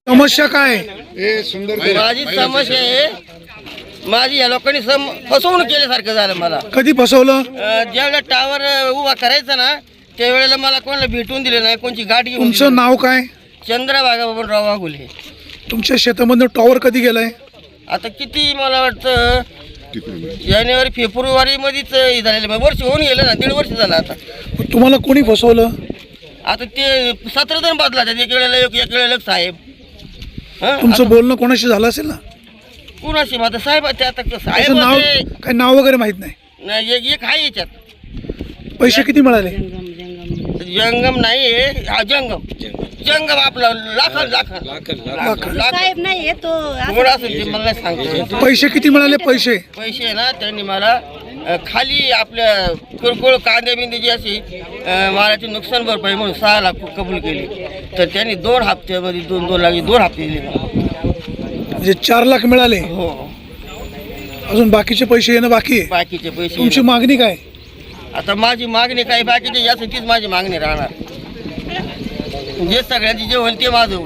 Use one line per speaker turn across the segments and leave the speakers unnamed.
समस्या काय आहे?
माझी समस्या आहे, माझी या लोकांनी फसवणूक केल्यासारखं झालं मला.
कधी फसवलं?
ज्यावेळेला टावर उभा करायचा ना त्यावेळेला मला कोणाला भेटून दिले नाही, कोणची गाडी घेऊन
तुमचं नाव काय?
चंद्रभागा बाबूराव वाघुले.
तुमच्या शेतामधनं टॉवर कधी गेलाय?
आता किती मला वाटतं जानेवारी फेब्रुवारी मध्येच झालेलं, वर्ष होऊन गेलं ना, 1.5 वर्ष झालं आता.
तुम्हाला कोणी फसवलं?
आता ते 17 जण बदला, एक वेळेला एक वेळेला साहेब.
तुमचं बोलणं कोणाशी झालं असेल ना?
कुणाशी माझं साहेब ते आता
त्याचं
साहेब
नाव
होते.
काय नाव वगैरे माहित नाही?
नाही, एक आहे याच्यात.
पैसे किती मिळाले?
जंगम नाही हा जंगम जंगम आपला लाख
लाख.
नाही तो
असेल ते मला नाही सांगतो.
पैसे किती मिळाले? पैसे
पैसे ना त्यांनी मला खाली आपल्या किरकोळ कांदे बिंदे जी अशी मालाची नुकसान भरपाई म्हणून 6 लाख कबूल केली. तर त्यांनी 2 हप्त्यामध्ये 2 लाख 2 हप्ते दिले मला.
म्हणजे 4 लाख मिळाले.
हो,
अजून बाकीचे पैसे येणं बाकी आहे.
बाकीचे पैसे.
तुमची मागणी काय?
आता माझी मागणी काही बाकीचे यासाठीच माझी मागणी राहणार. जे सगळ्यांची जे होईल ते माझं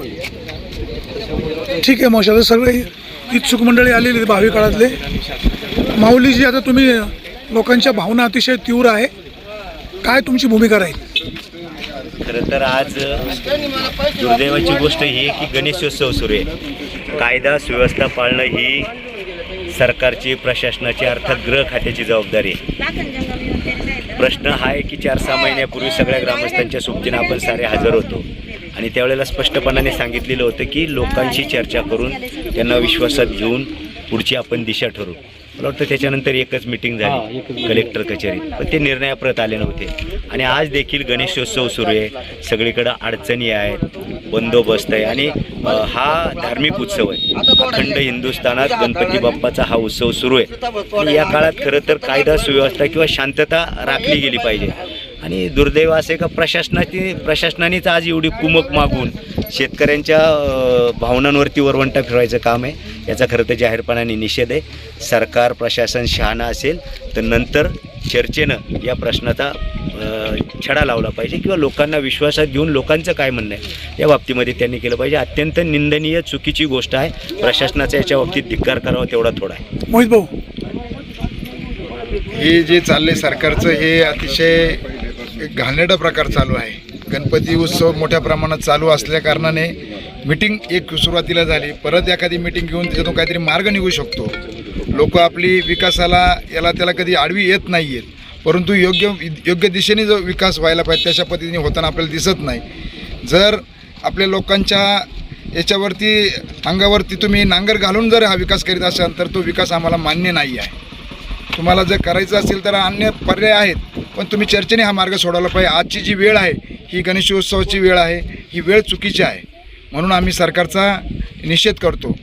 होईल.
ठीक आहे मावशी, आता सगळे इच्छुक मंडळी आलेली आहेत भावी काळातले. माऊलीजी, आता तुम्ही लोकांच्या भावना अतिशय तीव्र आहे, काय तुमची भूमिका राहील?
खरं तर आज दुर्दैवाची गोष्ट ही आहे की गणेशोत्सव सुरू आहे. कायदा सुव्यवस्था पाळणं ही सरकारची, प्रशासनाची, अर्थात गृह खात्याची जबाबदारी आहे. प्रश्न हा आहे की 4-6 महिन्यापूर्वी सगळ्या ग्रामस्थांच्या सोबतीनं आपण सारे हजर होतो आणि त्यावेळेला स्पष्टपणाने सांगितलेलं होतं की लोकांशी चर्चा करून त्यांना विश्वासात घेऊन पुढची आपण दिशा ठरवू. मला वाटतं त्याच्यानंतर एकच मिटिंग झाली कलेक्टर कचेरीत, पण ते निर्णयाप्रत आले नव्हते. आणि आज देखील गणेशोत्सव सुरू आहे, सगळीकडं अडचणी आहेत, बंदोबस्त आहे आणि हा धार्मिक उत्सव आहे. अखंड हिंदुस्थानात गणपती बाप्पाचा हा उत्सव सुरू आहे आणि या काळात खरं तर कायदा सुव्यवस्था किंवा शांतता राखली गेली पाहिजे. आणि दुर्दैव असे का प्रशासनानेच आज एवढी कुमक मागून शेतकऱ्यांच्या भावनांवरती वरवंटा फिरवायचं काम आहे. याचा खरं तर जाहीरपणाने निषेध आहे. सरकार, प्रशासन शहाणा असेल तर नंतर चर्चेनं या प्रश्नाचा छडा लावला पाहिजे किंवा लोकांना विश्वासात घेऊन लोकांचं काय म्हणणं आहे या बाबतीमध्ये त्यांनी केलं पाहिजे. अत्यंत निंदनीय, चुकीची गोष्ट आहे. प्रशासनाचा याच्या बाबतीत धिक्कार करावा तेवढा थोडा आहे.
मोहित भाऊ,
हे जे चाललंय सरकारचं हे अतिशय घाणेरडा प्रकार चालू आहे. गणपती उत्सव मोठ्या प्रमाणात चालू असल्या कारणाने मीटिंग एक सुरुवातीला झाली, परत एखादी मीटिंग घेऊन त्याच्यातून काहीतरी मार्ग निघू शकतो. लोक आपली विकासाला याला त्याला कधी आडवी येत नाही आहेत, परंतु योग्य दिशेने जो विकास व्हायला पाहिजे तशा पद्धतीने होताना आपल्याला दिसत नाही. जर आपल्या लोकांच्या याच्यावरती अंगावरती तुम्ही नांगर घालून जर हा विकास करीत असाल तर तो विकास आम्हाला मान्य नाही आहे. तुम्हाला जर करायचं असेल तर अन्य पर्याय आहेत, पण तुम्ही चर्चेने हा मार्ग सोडवला पाहिजे. आजची जी वेळ आहे ही गणेशोत्सवाची वेळ आहे, ही वेळ चुकीची आहे. म्हणून आम्ही सरकारचा निषेध करतो.